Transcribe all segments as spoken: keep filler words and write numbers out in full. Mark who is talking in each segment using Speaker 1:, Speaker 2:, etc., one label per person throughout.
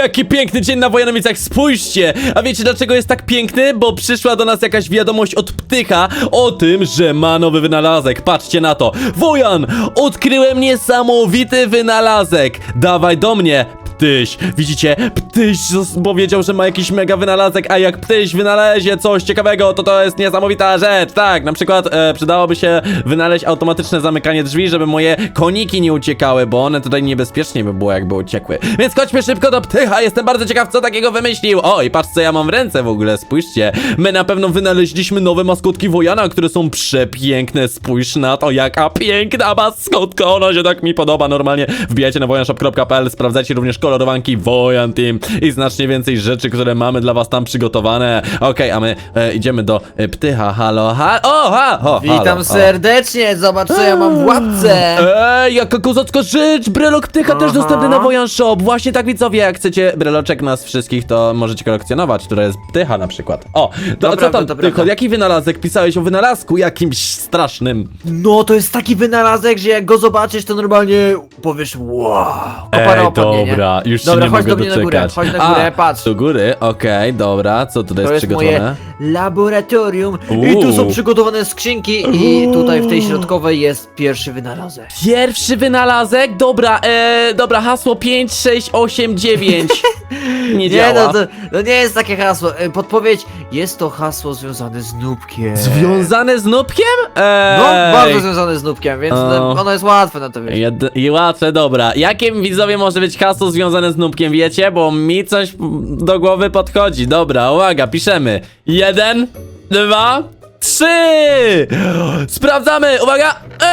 Speaker 1: Jaki piękny dzień na Wojanowicach, spójrzcie! A wiecie dlaczego jest tak piękny? Bo przyszła do nas jakaś wiadomość od Ptycha o tym, że ma nowy wynalazek. Patrzcie na to. Wojan, odkryłem niesamowity wynalazek. Dawaj do mnie. Ptyś, widzicie? Ptyś powiedział, że ma jakiś mega wynalazek, a jak Ptyś wynalezie coś ciekawego, to to jest niesamowita rzecz. Tak, na przykład e, przydałoby się wynaleźć automatyczne zamykanie drzwi, żeby moje koniki nie uciekały, bo one tutaj niebezpiecznie by było, jakby uciekły. Więc chodźmy szybko do Ptycha, jestem bardzo ciekaw, co takiego wymyślił. O, i patrz, co ja mam w ręce w ogóle, spójrzcie. My na pewno wynaleźliśmy nowe maskotki Wojana, które są przepiękne. Spójrz na to, jaka piękna maskotka, ona się tak mi podoba. Normalnie wbijajcie na wojanshop kropka p l, sprawdzajcie również kolorowanki Wojan Team i znacznie więcej rzeczy, które mamy dla was tam przygotowane. Okej, okay, a my e, idziemy do e, Ptycha. Halo, ha, o, ha, o,
Speaker 2: Witam
Speaker 1: halo,
Speaker 2: serdecznie, zobacz co ja mam w łapce.
Speaker 1: Ej, jaka kozacka rzecz! Brelok Ptycha też
Speaker 2: Aha.
Speaker 1: dostępny na Wojan Shop. Właśnie tak, widzowie, jak chcecie breloczek nas wszystkich, to możecie kolekcjonować, które jest Ptycha na przykład. O, to,
Speaker 2: To
Speaker 1: co
Speaker 2: prawda,
Speaker 1: tam,
Speaker 2: to
Speaker 1: Ptycho,
Speaker 2: prawda.
Speaker 1: jaki wynalazek? Pisałeś o wynalazku jakimś strasznym.
Speaker 2: No to jest taki wynalazek, że jak go zobaczysz, to normalnie powiesz wow. Kopara
Speaker 1: Ej,
Speaker 2: opadnie, nie?
Speaker 1: dobra, już się
Speaker 2: Dobra,
Speaker 1: nie
Speaker 2: chodź
Speaker 1: mogę
Speaker 2: do mnie na górę,
Speaker 1: doczekać.
Speaker 2: chodź na górę,
Speaker 1: A,
Speaker 2: patrz.
Speaker 1: do góry, okej, dobra, co tutaj
Speaker 2: To
Speaker 1: jest
Speaker 2: jest
Speaker 1: przygotowane?
Speaker 2: moje laboratorium i tu są
Speaker 1: Uuu.
Speaker 2: przygotowane skrzynki i tutaj w tej środkowej jest pierwszy wynalazek.
Speaker 1: Pierwszy wynalazek? Dobra, e, dobra, hasło pięć, sześć, osiem, dziewięć. Nie
Speaker 2: Nie,
Speaker 1: działa.
Speaker 2: no to, to nie jest takie hasło. E, Podpowiedź, jest to hasło związane z nubkiem.
Speaker 1: Związane z nubkiem? Ej.
Speaker 2: No, bardzo związane z nubkiem, więc
Speaker 1: O.
Speaker 2: no, ono jest łatwe na to wiesz.
Speaker 1: Jed I łatwe, dobra. Jakim, widzowie, może być hasło związane z nubkiem, wiecie? Bo mi coś do głowy podchodzi. Dobra, uwaga, piszemy. Jeden, dwa, trzy! Sprawdzamy, uwaga!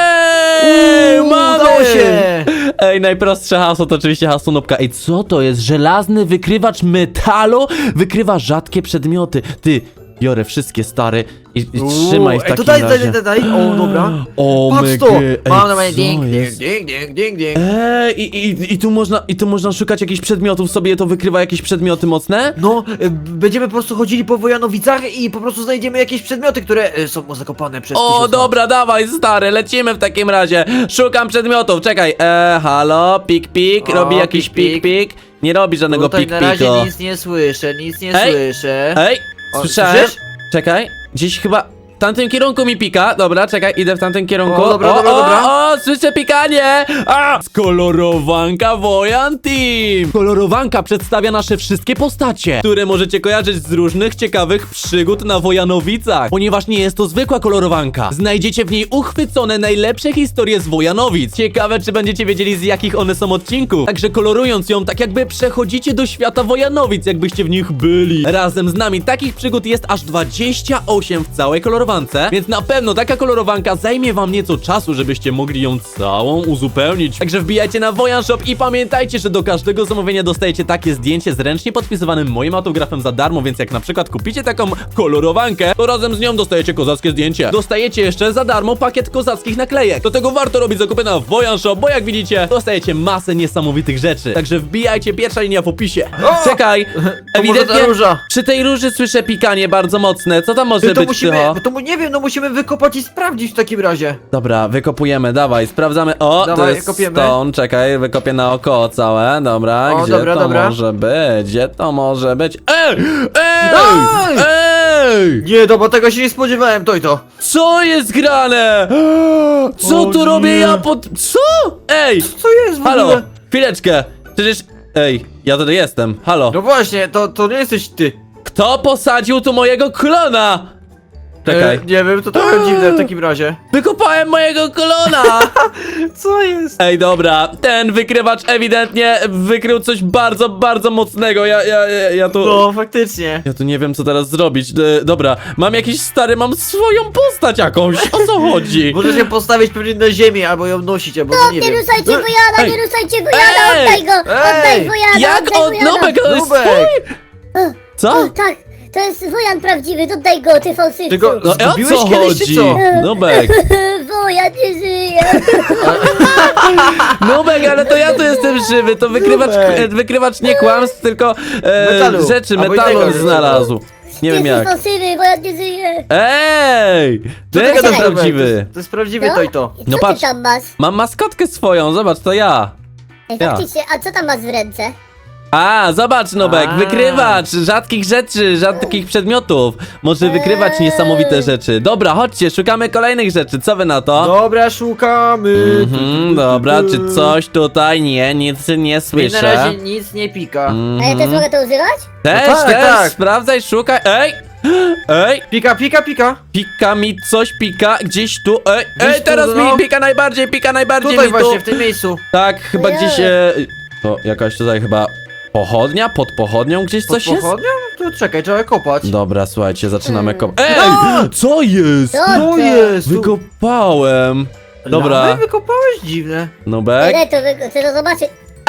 Speaker 1: Ej,
Speaker 2: Uuu,
Speaker 1: mamy!
Speaker 2: udało się!
Speaker 1: Ej, najprostsze hasło to oczywiście hasło nubka. Ej, co to jest? Żelazny wykrywacz metalu? Wykrywa rzadkie przedmioty. Ty, biorę wszystkie, stary, i, i
Speaker 2: Uuu,
Speaker 1: trzymaj w
Speaker 2: ej,
Speaker 1: takim
Speaker 2: to daj,
Speaker 1: razie.
Speaker 2: daj, daj, daj. O, dobra.
Speaker 1: O,
Speaker 2: Patrz
Speaker 1: my
Speaker 2: to!
Speaker 1: gy- ej,
Speaker 2: Mam normalnie
Speaker 1: co
Speaker 2: ding, ding,
Speaker 1: jest?
Speaker 2: ding, ding, ding, ding.
Speaker 1: Eee, i, i, i tu można, i tu można szukać jakichś przedmiotów, sobie to wykrywa jakieś przedmioty mocne?
Speaker 2: No, y, będziemy po prostu chodzili po Wojanowicach i po prostu znajdziemy jakieś przedmioty, które y, są zakopane przez
Speaker 1: O,
Speaker 2: tysiąc
Speaker 1: dobra, dawaj, stary, lecimy w takim razie. Szukam przedmiotów, czekaj, eee, halo, pik, pik,
Speaker 2: O,
Speaker 1: robi jakiś
Speaker 2: pik,
Speaker 1: pik,
Speaker 2: pik.
Speaker 1: pik. Nie robi
Speaker 2: lat.
Speaker 1: żadnego
Speaker 2: Tutaj
Speaker 1: pik,
Speaker 2: na razie
Speaker 1: piko.
Speaker 2: nic nie słyszę, nic nie
Speaker 1: Ej,
Speaker 2: słyszę.
Speaker 1: Ej,
Speaker 2: O,
Speaker 1: słyszałem,
Speaker 2: słyszysz?
Speaker 1: czekaj, gdzieś chyba... W tamtym kierunku mi pika, dobra, czekaj, idę w tamtym kierunku.
Speaker 2: O, dobra, dobra,
Speaker 1: o,
Speaker 2: dobra.
Speaker 1: O, o, słyszę pikanie! A! Kolorowanka Wojan Team! Kolorowanka przedstawia nasze wszystkie postacie, które możecie kojarzyć z różnych ciekawych przygód na Wojanowicach. Ponieważ nie jest to zwykła kolorowanka. Znajdziecie w niej uchwycone najlepsze historie z Wojanowic. Ciekawe, czy będziecie wiedzieli, z jakich one są odcinków. Także kolorując ją, tak jakby przechodzicie do świata Wojanowic, jakbyście w nich byli. Razem z nami takich przygód jest aż dwadzieścia osiem w całej kolorowance. Więc na pewno taka kolorowanka zajmie wam nieco czasu, żebyście mogli ją całą uzupełnić. Także wbijajcie na Wojan Shop i pamiętajcie, że do każdego zamówienia dostajecie takie zdjęcie z ręcznie podpisywanym moim autografem za darmo, więc jak na przykład kupicie taką kolorowankę, to razem z nią dostajecie kozackie zdjęcie. Dostajecie jeszcze za darmo pakiet kozackich naklejek. Do tego warto robić zakupy na Wojan Shop, bo jak widzicie, dostajecie masę niesamowitych rzeczy. Także wbijajcie, pierwsza linia w opisie.
Speaker 2: O!
Speaker 1: Czekaj,
Speaker 2: To może
Speaker 1: ewidentnie
Speaker 2: ta róża.
Speaker 1: przy tej róży słyszę pikanie bardzo mocne. Co tam może
Speaker 2: To
Speaker 1: być,
Speaker 2: musimy,
Speaker 1: Tycho?
Speaker 2: to mu, nie wiem, no musimy wykopać i sprawdzić w takim razie.
Speaker 1: Dobra, wykopujemy, dawaj, sprawdzamy. O, to
Speaker 2: Dawaj,
Speaker 1: jest
Speaker 2: kopiemy.
Speaker 1: stone, czekaj, wykopię naokoło całe, dobra,
Speaker 2: O,
Speaker 1: gdzie
Speaker 2: dobra,
Speaker 1: to
Speaker 2: dobra.
Speaker 1: może być, gdzie to może być? Ej, ej,
Speaker 2: Daj!
Speaker 1: ej,
Speaker 2: Nie, no bo tego się nie spodziewałem, to i to.
Speaker 1: co jest grane? Co
Speaker 2: O
Speaker 1: tu
Speaker 2: nie.
Speaker 1: robię ja pod... Co? Ej,
Speaker 2: Co jest w
Speaker 1: halo,
Speaker 2: ogóle?
Speaker 1: chwileczkę, przecież... Ej, ja tutaj jestem, halo.
Speaker 2: No właśnie, to, to nie jesteś ty.
Speaker 1: Kto posadził tu mojego klona? Czekaj,
Speaker 2: E, nie wiem, to trochę dziwne w takim razie.
Speaker 1: wykopałem mojego klona!
Speaker 2: Co jest?
Speaker 1: Ej, dobra, ten wykrywacz ewidentnie wykrył coś bardzo, bardzo mocnego. Ja, ja, ja, ja tu.
Speaker 2: No, faktycznie.
Speaker 1: Ja tu nie wiem, co teraz zrobić. E, dobra, mam jakiś stary, mam swoją postać jakąś. O co chodzi?
Speaker 2: Możesz ją postawić pewnie na ziemię, albo ją nosić, albo no, nie
Speaker 3: Nie
Speaker 2: wiem.
Speaker 3: ruszajcie Wojana,
Speaker 1: Ej.
Speaker 3: nie ruszajcie Wojana,
Speaker 1: Ej.
Speaker 3: oddaj go! Oddaj
Speaker 2: Ej.
Speaker 3: Wojana,
Speaker 1: Jak
Speaker 3: oddaj
Speaker 1: on.
Speaker 3: Wojana!
Speaker 1: Nubek, to jest
Speaker 2: Nubek.
Speaker 1: twój?
Speaker 3: O,
Speaker 1: Co?
Speaker 3: tak, to jest Wojan prawdziwy, oddaj go, ty fałszywcu!
Speaker 2: Tylko-
Speaker 1: No o
Speaker 2: Zgubiłeś
Speaker 1: co
Speaker 2: kiedyś, czy
Speaker 1: chodzi?
Speaker 2: co?
Speaker 1: Nubek,
Speaker 3: Wojan nie żyje!
Speaker 1: Nubek, ale to ja tu jestem żywy. To wykrywacz,
Speaker 2: Nubek.
Speaker 1: e, wykrywacz nie kłamstw, tylko e,
Speaker 2: Metalu.
Speaker 1: rzeczy,
Speaker 2: Albo
Speaker 1: metalu
Speaker 2: innego.
Speaker 1: znalazł. Nie wiem
Speaker 3: Jesteś
Speaker 1: jak.
Speaker 3: fałszywy, Wojan nie żyje!
Speaker 1: Ej!
Speaker 2: Co
Speaker 1: To
Speaker 2: ty
Speaker 1: jest
Speaker 2: gadasz, Nubek? To
Speaker 1: prawdziwy.
Speaker 2: jest- To jest prawdziwy
Speaker 3: No?
Speaker 2: to i to.
Speaker 3: Co
Speaker 1: No
Speaker 3: ty
Speaker 1: patrz.
Speaker 3: tam masz?
Speaker 1: Mam maskotkę swoją, zobacz, to ja.
Speaker 3: Ej,
Speaker 1: Ja.
Speaker 3: faktycznie, a co tam masz w ręce?
Speaker 1: A, zobacz, Nubek,
Speaker 2: A.
Speaker 1: wykrywacz rzadkich rzeczy, rzadkich przedmiotów. Może wykrywać
Speaker 3: Eee.
Speaker 1: niesamowite rzeczy. Dobra, chodźcie, szukamy kolejnych rzeczy. Co wy na to?
Speaker 2: Dobra, szukamy.
Speaker 1: Mhm, dobra, czy coś tutaj? Nie, nic nie
Speaker 2: Mi na
Speaker 1: słyszę.
Speaker 2: razie nic nie pika.
Speaker 3: A ja też mogę to używać?
Speaker 1: Też,
Speaker 2: No tak,
Speaker 1: też,
Speaker 2: tak.
Speaker 1: sprawdzaj, szukaj. Ej! Ej!
Speaker 2: Pika, pika, pika.
Speaker 1: Pika mi coś, pika gdzieś tu. Ej,
Speaker 2: Gdzieś
Speaker 1: ej,
Speaker 2: tu,
Speaker 1: teraz
Speaker 2: no.
Speaker 1: mi pika najbardziej, pika najbardziej
Speaker 2: Tutaj
Speaker 1: mi tu.
Speaker 2: właśnie, w tym miejscu.
Speaker 1: Tak, chyba
Speaker 3: Ojej.
Speaker 1: gdzieś. E, to jakaś tutaj chyba pochodnia? Pod pochodnią gdzieś
Speaker 2: Pod
Speaker 1: coś jest?
Speaker 2: pochodnią? To czekaj, trzeba kopać.
Speaker 1: Dobra, słuchajcie, zaczynamy
Speaker 3: Hmm.
Speaker 1: kopać. Ej!
Speaker 2: A!
Speaker 1: Co jest?
Speaker 3: Co
Speaker 2: To
Speaker 3: to?
Speaker 2: jest. tu-
Speaker 1: Wykopałem. Dobra.
Speaker 2: Lamy wykopałeś? Dziwne.
Speaker 1: Nubek.
Speaker 3: Ile to wy... chcę to zobaczyć?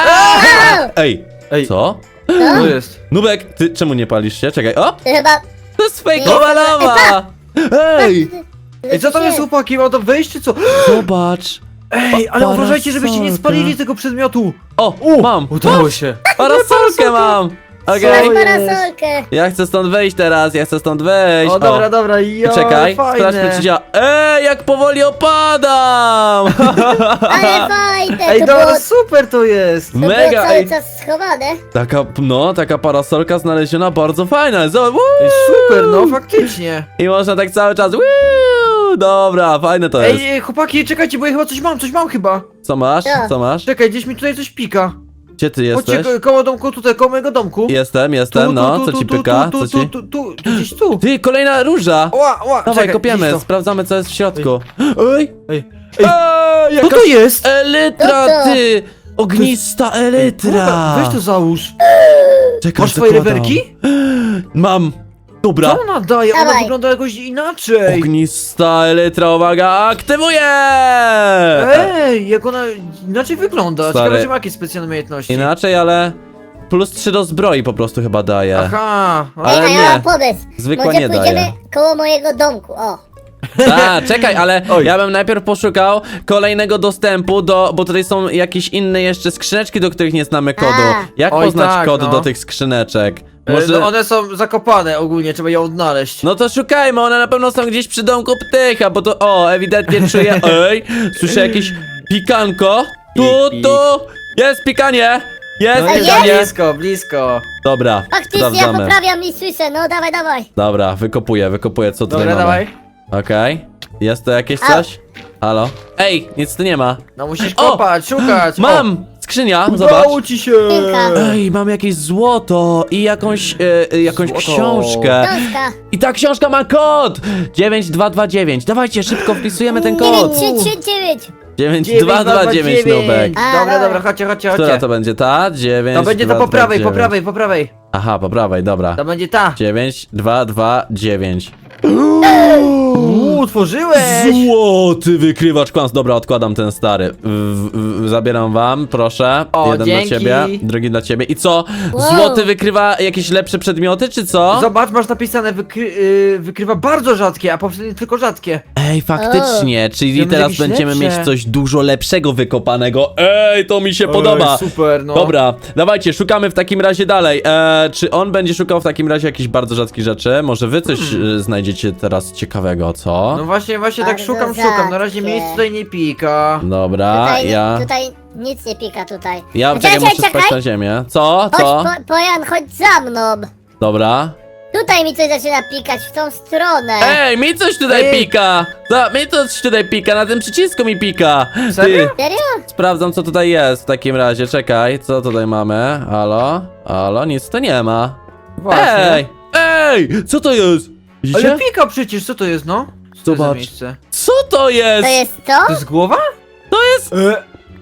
Speaker 1: Ej,
Speaker 2: Ej,
Speaker 1: co?
Speaker 3: No,
Speaker 2: to jest.
Speaker 1: Nubek, ty czemu nie palisz się? Czekaj, o!
Speaker 3: to chyba...
Speaker 1: To jest fejkowa lawa! Ej!
Speaker 2: Ej, co to jest, chłopaki? Mam to wejść, czy co?
Speaker 1: Zobacz!
Speaker 2: Ej, ale uważajcie, żebyście nie
Speaker 1: Parasolka.
Speaker 2: spalili tego przedmiotu.
Speaker 1: O, mam!
Speaker 2: Udało się.
Speaker 1: Parasolkę mam! Okej.
Speaker 3: Masz
Speaker 2: Co jest?
Speaker 3: parasolkę.
Speaker 1: Ja chcę stąd wyjść teraz, ja chcę stąd wyjść.
Speaker 2: O, dobra, dobra, ja,
Speaker 1: Czekaj, sprawdźmy
Speaker 2: fajne.
Speaker 1: czy działa. Ej, jak powoli opadam!
Speaker 3: Ale fajne
Speaker 2: Ej,
Speaker 3: to
Speaker 2: dobra,
Speaker 3: było.
Speaker 2: super to jest.
Speaker 3: To
Speaker 1: Mega,
Speaker 3: było cały
Speaker 1: ej.
Speaker 3: czas schowane.
Speaker 1: Taka, no, taka parasolka znaleziona bardzo fajna. Zobacz,
Speaker 2: Ej, super, no, faktycznie.
Speaker 1: i można tak cały czas. Wiu, dobra, fajne to jest.
Speaker 2: Ej, ej, chłopaki, czekajcie, bo ja chyba coś mam, coś mam chyba.
Speaker 1: Co masz?
Speaker 3: Co?
Speaker 1: Co masz?
Speaker 2: Czekaj, gdzieś mi tutaj coś pika.
Speaker 1: Gdzie ty
Speaker 2: Chodźcie,
Speaker 1: jesteś?
Speaker 2: ko- koło domku, tutaj, koło mojego domku.
Speaker 1: Jestem, jestem, no, co ci pyka?
Speaker 2: Tu,
Speaker 1: Co
Speaker 2: tu,
Speaker 1: ci?
Speaker 2: tu, tu, tu, gdzieś tu.
Speaker 1: Ty, kolejna róża!
Speaker 2: Ła, ła,
Speaker 1: Dawaj,
Speaker 2: czekaj,
Speaker 1: kopiemy,
Speaker 2: gdzieś to.
Speaker 1: sprawdzamy co jest w środku. Ej!
Speaker 2: Ej,
Speaker 1: Ej!
Speaker 2: co
Speaker 1: Jaka
Speaker 2: to jest?
Speaker 1: elytra,
Speaker 3: Co to?
Speaker 1: ty! Ognista elytra!
Speaker 2: Kurwa, weź to załóż.
Speaker 1: Czekaj,
Speaker 2: Masz swoje
Speaker 1: zakładam.
Speaker 2: rewerki?
Speaker 1: Mam! Dobra!
Speaker 2: Co ona daje? Ona
Speaker 3: Dawaj.
Speaker 2: wygląda jakoś inaczej.
Speaker 1: Ognista elytra, uwaga, aktywuję!
Speaker 2: Ej, jak ona inaczej wygląda.
Speaker 1: Stary.
Speaker 2: Ciekawe, czy ma jakieś specjalne umiejętności.
Speaker 1: Inaczej, ale plus trzy do zbroi po prostu chyba daje.
Speaker 2: Aha.
Speaker 1: Ale
Speaker 3: Ej, a
Speaker 1: nie.
Speaker 3: ja mam pomysł.
Speaker 1: Zwykła
Speaker 3: Może
Speaker 1: nie
Speaker 3: pójdziemy
Speaker 1: daje.
Speaker 3: koło mojego domku, o.
Speaker 1: A, czekaj, ale
Speaker 2: Oj.
Speaker 1: ja bym najpierw poszukał kolejnego dostępu do, bo tutaj są jakieś inne jeszcze skrzyneczki, do których nie znamy kodu.
Speaker 3: A.
Speaker 1: Jak
Speaker 2: Oj,
Speaker 1: poznać
Speaker 2: tak,
Speaker 1: kod
Speaker 2: no.
Speaker 1: do tych skrzyneczek?
Speaker 2: Może...
Speaker 1: Może...
Speaker 2: No one są zakopane ogólnie, trzeba je odnaleźć.
Speaker 1: No to szukajmy, one na pewno są gdzieś przy domku ptycha, bo to, o, ewidentnie czuję, ej, słyszę jakieś pikanko, tu,
Speaker 2: Pik, pik.
Speaker 1: tu, jest pikanie, jest
Speaker 2: No
Speaker 3: A
Speaker 2: jest
Speaker 1: pikanie.
Speaker 2: blisko, blisko.
Speaker 1: Dobra,
Speaker 3: Faktycznie ja
Speaker 1: sprawdzamy.
Speaker 3: poprawiam i słyszę, no dawaj, dawaj.
Speaker 1: Dobra, wykopuję, wykopuję, co tutaj
Speaker 2: Dobra,
Speaker 1: mamy.
Speaker 2: dawaj.
Speaker 1: Okej, jest to jakieś
Speaker 3: Au.
Speaker 1: coś? Halo? Ej, nic tu nie ma.
Speaker 2: No musisz
Speaker 1: O!
Speaker 2: kopać, szukać.
Speaker 1: Mam! Skrzynia,
Speaker 2: O,
Speaker 1: zobacz.
Speaker 2: udało ci się.
Speaker 3: Kilka.
Speaker 1: Ej, mam jakieś złoto i jakąś, e, e, jakąś
Speaker 2: Złoto.
Speaker 1: książkę.
Speaker 3: Książka.
Speaker 1: I ta książka ma kod! dziewięć dwa dwa dziewięć. Dawajcie, szybko wpisujemy ten
Speaker 3: dziewięć
Speaker 1: kod.
Speaker 3: trzy trzy dziewięć.
Speaker 1: dziewięć dwa dwa dziewięć, Nubek.
Speaker 3: A,
Speaker 2: Dobra,
Speaker 3: dobra.
Speaker 2: dobra, chodźcie, chodźcie,
Speaker 1: Która
Speaker 2: chodźcie.
Speaker 1: to będzie ta? dziewięć
Speaker 2: To będzie to po prawej, po prawej, po prawej.
Speaker 1: Aha, po prawej, dobra.
Speaker 2: To będzie ta.
Speaker 1: dziewięć dwa dwa dziewięć.
Speaker 2: Uuu, otworzyłeś.
Speaker 1: Złoty wykrywacz kłamstw. Dobra, odkładam ten stary. W, w, zabieram wam, proszę.
Speaker 2: O,
Speaker 1: Jeden
Speaker 2: dzięki.
Speaker 1: dla ciebie, drugi dla ciebie. I co?
Speaker 3: Wow.
Speaker 1: Złoty wykrywa jakieś lepsze przedmioty, czy co?
Speaker 2: Zobacz, masz napisane, wykry, yy, wykrywa bardzo rzadkie, a poprzednie tylko rzadkie.
Speaker 1: Ej, faktycznie, czyli
Speaker 2: Będą
Speaker 1: teraz
Speaker 2: jakieś
Speaker 1: będziemy
Speaker 2: lepsze.
Speaker 1: mieć coś dużo lepszego wykopanego. Ej, to mi się podoba.
Speaker 2: Ej, super, no.
Speaker 1: Dobra, dawajcie, szukamy w takim razie dalej. E, czy on będzie szukał w takim razie jakichś bardzo rzadkich rzeczy? Może wy coś e, znajdziecie teraz ciekawego, co?
Speaker 2: No właśnie, właśnie tak
Speaker 3: Bardzo
Speaker 2: szukam, szukam. Na razie
Speaker 3: rzadkie.
Speaker 2: miejsc tutaj nie pika.
Speaker 1: Dobra,
Speaker 3: Tutaj,
Speaker 1: ja...
Speaker 3: tutaj nic nie pika tutaj.
Speaker 1: Ja
Speaker 3: Czekaj,
Speaker 1: czekaj, muszę
Speaker 3: czekaj,
Speaker 1: spać na ziemię. Co?
Speaker 3: Chodź,
Speaker 1: Co?
Speaker 3: po, Pojan, chodź za mną.
Speaker 1: Dobra.
Speaker 3: Tutaj mi coś zaczyna pikać w tą stronę.
Speaker 1: Ej, mi coś tutaj
Speaker 2: Ej.
Speaker 1: pika! Co? Mi coś tutaj pika, na tym przycisku mi pika!
Speaker 2: Serio?
Speaker 3: Serio?
Speaker 1: Sprawdzam co tutaj jest w takim razie, czekaj, co tutaj mamy? Halo? Halo? Nic tu nie ma.
Speaker 2: Właśnie.
Speaker 1: Ej! Ej! Co to jest? Widzicie?
Speaker 2: Ale pika przecież, co to jest, no? Co to jest za
Speaker 1: Zobacz.
Speaker 2: miejsce?
Speaker 1: Co to jest?
Speaker 3: To jest to?
Speaker 2: To jest głowa?
Speaker 1: To jest...
Speaker 2: E,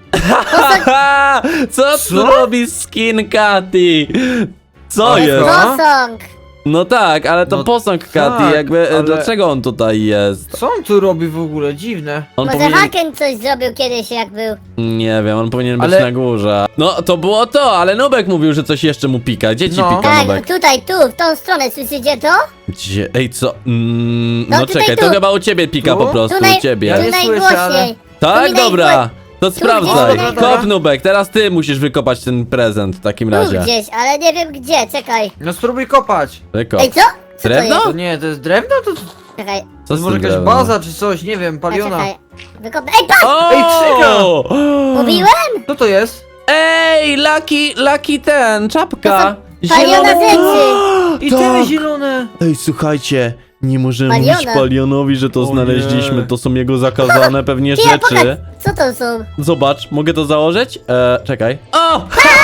Speaker 1: Haha! Co
Speaker 2: Co?
Speaker 1: tu robi skin Katy? Co
Speaker 2: Ale
Speaker 1: jest?
Speaker 2: co?
Speaker 3: Posąg.
Speaker 1: No tak, ale to
Speaker 2: No
Speaker 1: posąg Katy,
Speaker 2: tak,
Speaker 1: jakby, e,
Speaker 2: ale-
Speaker 1: dlaczego on tutaj jest?
Speaker 2: Co on tu robi w ogóle? Dziwne.
Speaker 1: On
Speaker 3: Może
Speaker 1: powinien...
Speaker 3: Haken coś zrobił kiedyś jak był.
Speaker 1: Nie wiem, on powinien być
Speaker 2: Ale-
Speaker 1: na górze. No, to było to, ale Nubek mówił, że coś jeszcze mu pika. Gdzie ci
Speaker 2: No.
Speaker 1: pika,
Speaker 3: Tak,
Speaker 1: Nubek?
Speaker 3: tutaj, tu, w tą stronę, słyszycie to?
Speaker 1: Gdzie? Ej, co? Mm,
Speaker 3: No,
Speaker 1: no
Speaker 3: tutaj
Speaker 1: czekaj,
Speaker 3: tu.
Speaker 1: to chyba u ciebie pika
Speaker 2: Tu?
Speaker 1: po prostu,
Speaker 3: Tu, naj,
Speaker 1: u ciebie.
Speaker 2: Ja
Speaker 3: tu
Speaker 2: nie
Speaker 3: najgłośniej.
Speaker 2: słyszę, ale-
Speaker 3: Tu
Speaker 1: Tak,
Speaker 3: mi
Speaker 1: dobra.
Speaker 3: najgło-
Speaker 1: To
Speaker 3: gdzieś,
Speaker 1: sprawdzaj.
Speaker 3: dobra,
Speaker 2: dobra.
Speaker 1: Kop, Nubek, teraz ty musisz wykopać ten prezent w takim
Speaker 3: Tu
Speaker 1: razie.
Speaker 3: gdzieś, ale nie wiem gdzie, czekaj.
Speaker 2: No spróbuj kopać.
Speaker 1: Wykop.
Speaker 3: Ej, co? Co
Speaker 1: Drewno?
Speaker 3: to
Speaker 2: To
Speaker 3: jest?
Speaker 2: nie, to jest drewno? To,
Speaker 3: Czekaj,
Speaker 1: Co
Speaker 2: to
Speaker 1: z
Speaker 2: może
Speaker 1: tym
Speaker 2: jakaś
Speaker 1: drewnem?
Speaker 2: baza czy coś, nie wiem,
Speaker 3: a
Speaker 2: paliona.
Speaker 3: czekaj. Wykop... Ej, patrz!
Speaker 1: O!
Speaker 2: Ej, krzyga!
Speaker 3: Mówiłem?
Speaker 2: Co to jest?
Speaker 1: Ej, Lucky, Lucky ten, czapka.
Speaker 3: Paliona rzeczy.
Speaker 2: I
Speaker 1: Tak.
Speaker 2: te zielone.
Speaker 1: Ej, słuchajcie, nie możemy
Speaker 3: Paliona.
Speaker 1: mówić Palionowi, że to
Speaker 2: O
Speaker 1: znaleźliśmy.
Speaker 2: nie.
Speaker 1: To są jego zakazane pewnie
Speaker 3: Ty, ja pokaż,
Speaker 1: rzeczy.
Speaker 3: co to są?
Speaker 1: Zobacz, mogę to założyć? E, czekaj. O!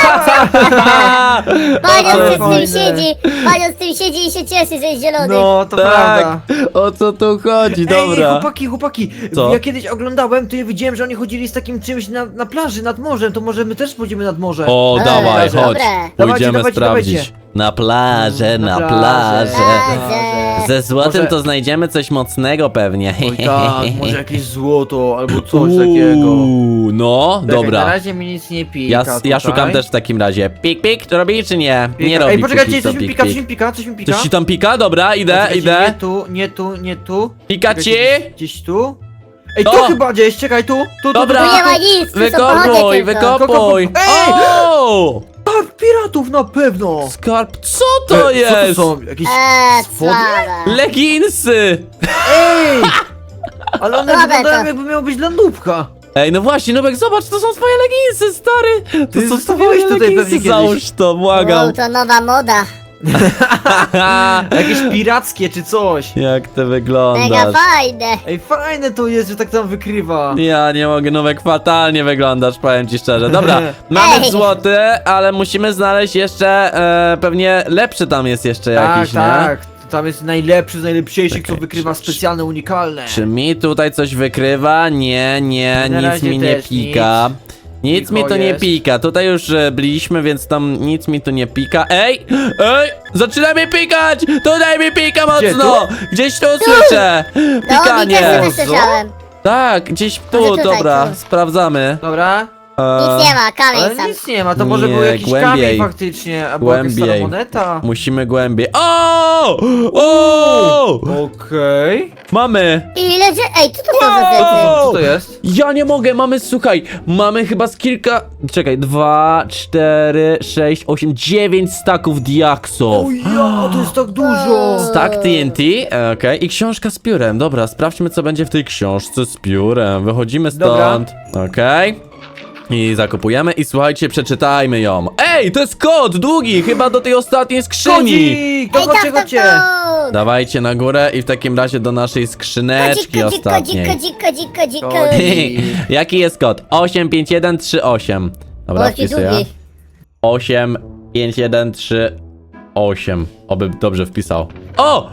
Speaker 3: Panion
Speaker 2: Ale
Speaker 3: z tym
Speaker 2: fajne.
Speaker 3: siedzi, Panion z tym siedzi i się cieszy, że jest zielony.
Speaker 2: No, to
Speaker 1: Tak,
Speaker 2: prawda.
Speaker 1: o co tu chodzi,
Speaker 2: Ej,
Speaker 1: dobra.
Speaker 2: chłopaki, chłopaki,
Speaker 1: Co?
Speaker 2: ja kiedyś oglądałem, to ja widziałem, że oni chodzili z takim czymś na, na plaży, nad morzem, to może my też pójdziemy nad morze.
Speaker 1: O,
Speaker 3: Ej,
Speaker 1: dawaj,
Speaker 3: dobre.
Speaker 1: chodź.
Speaker 2: Dawajcie,
Speaker 1: Pójdziemy
Speaker 2: dawajcie,
Speaker 1: sprawdzić.
Speaker 2: dawajcie.
Speaker 1: Na plażę, na,
Speaker 2: Na
Speaker 1: plażę.
Speaker 2: plażę.
Speaker 3: Plażę.
Speaker 1: Ze złotem
Speaker 2: Może-
Speaker 1: to znajdziemy coś mocnego pewnie.
Speaker 2: Oj tak, może jakieś złoto albo coś takiego.
Speaker 1: Uuu, no,
Speaker 2: Czekaj,
Speaker 1: dobra.
Speaker 2: Na razie mi nic nie pika
Speaker 1: Ja, ja
Speaker 2: tutaj.
Speaker 1: szukam też w takim razie. Pik, pik, to robi czy nie?
Speaker 2: Pika.
Speaker 1: Nie robi.
Speaker 2: Ej, poczekajcie,
Speaker 1: póki co
Speaker 2: coś mi
Speaker 1: pik,
Speaker 2: pika,
Speaker 1: pik.
Speaker 2: coś mi pika, coś mi pika.
Speaker 1: Coś ci tam pika? Dobra, idę,
Speaker 2: Poczekajcie,
Speaker 1: idę.
Speaker 2: Nie tu, nie tu, nie tu.
Speaker 1: Pika ci?
Speaker 2: Czekajcie, Gdzieś tu. Ej,
Speaker 1: O!
Speaker 2: tu chyba gdzieś, czekaj, tu, tu, tu.
Speaker 1: Dobra.
Speaker 3: Tu nie ma nic, tu są
Speaker 1: Wykopuj,
Speaker 3: pochody
Speaker 1: wykopuj.
Speaker 2: Kokopu- Ej!
Speaker 1: O!
Speaker 2: Tak, piratów na pewno.
Speaker 1: Skarb, co to
Speaker 2: Ej,
Speaker 1: jest?
Speaker 2: Co to są? Jakieś
Speaker 3: Eee,
Speaker 2: spodnie?
Speaker 3: słabe.
Speaker 1: Leginsy!
Speaker 2: Ej! Ale one
Speaker 3: Słabe
Speaker 2: wyglądają
Speaker 3: to.
Speaker 2: jakby miało być dla nubka.
Speaker 1: Ej, no właśnie, Nubek, zobacz, to są twoje leginsy, stary! To
Speaker 2: Ty
Speaker 1: są
Speaker 2: zostawiłeś
Speaker 1: twoje
Speaker 2: tutaj pewnie
Speaker 1: leginsy,
Speaker 2: kiedyś.
Speaker 1: załóż to, błagam.
Speaker 3: Wow, to nowa moda.
Speaker 2: Jakieś pirackie czy coś.
Speaker 1: Jak ty
Speaker 3: Mega
Speaker 1: wyglądasz.
Speaker 3: fajne.
Speaker 2: Ej, fajne to jest, że tak tam wykrywa.
Speaker 1: Ja nie mogę, Nubek, fatalnie wyglądasz, powiem ci szczerze. Dobra, mamy
Speaker 3: Ej.
Speaker 1: złoty, ale musimy znaleźć jeszcze, e, pewnie lepszy tam jest jeszcze
Speaker 2: Tak,
Speaker 1: jakiś, nie?
Speaker 2: tak. Tam jest najlepszy z najlepszych, co
Speaker 1: Czekaj,
Speaker 2: wykrywa
Speaker 1: czy-
Speaker 2: specjalne, unikalne.
Speaker 1: Czy mi tutaj coś wykrywa? Nie, nie,
Speaker 2: Na
Speaker 1: nic
Speaker 2: razie
Speaker 1: mi nie
Speaker 2: też
Speaker 1: pika. Nic
Speaker 2: Cicho
Speaker 1: mi tu nie
Speaker 2: jest.
Speaker 1: pika. Tutaj już e, byliśmy, więc tam nic mi tu nie pika. Ej! Ej! Zaczyna mi pikać! Tutaj mi pika
Speaker 2: Gdzie,
Speaker 1: mocno! Gdzieś tu słyszę!
Speaker 3: No, mi też
Speaker 1: Pikanie!
Speaker 3: to słyszałem.
Speaker 1: Tak, gdzieś tu,
Speaker 3: Może tutaj,
Speaker 1: dobra,
Speaker 3: tu.
Speaker 1: sprawdzamy.
Speaker 2: Dobra.
Speaker 1: E,
Speaker 3: Nic nie ma, kamień
Speaker 2: Ale
Speaker 3: sam.
Speaker 2: nic nie ma, to może
Speaker 1: Nie,
Speaker 2: był jakiś
Speaker 1: głębiej.
Speaker 2: kamień faktycznie, albo jakaś stara
Speaker 1: Głębiej.
Speaker 2: moneta.
Speaker 1: Musimy głębiej. O! O!
Speaker 2: Okej.
Speaker 1: Mamy!
Speaker 3: Ile że... Ej, co to są za
Speaker 1: Wow!
Speaker 3: rzeczy?
Speaker 2: Co to jest?
Speaker 1: Ja nie mogę, mamy, słuchaj, mamy chyba z kilka, czekaj, dwa, cztery, sześć, osiem, dziewięć staków diaksu.
Speaker 2: O ja, to jest tak dużo.
Speaker 1: Stack T N T, e, okej, i książka z piórem, dobra, sprawdźmy co będzie w tej książce z piórem, wychodzimy stąd, okej. I zakupujemy i słuchajcie, przeczytajmy ją. Ej, to jest kod długi, chyba do tej ostatniej skrzyni.
Speaker 2: Kodzik!
Speaker 3: Ej,
Speaker 2: To chodźcie,
Speaker 3: tak, tak,
Speaker 2: chodźcie.
Speaker 3: tak.
Speaker 1: Dawajcie na górę i w takim razie do naszej
Speaker 3: Kodzik,
Speaker 1: skrzyneczki
Speaker 3: kodzik, kodzik,
Speaker 1: ostatniej.
Speaker 3: kodzik, kodzik, kodzik,
Speaker 2: Kodzik.
Speaker 3: kodzik.
Speaker 1: Jaki jest kod? osiem pięć jeden trzy osiem. Dobra,
Speaker 3: Jaki
Speaker 1: wpisuję.
Speaker 3: długi.
Speaker 1: osiem pięć jeden trzy osiem. Oby dobrze wpisał. O!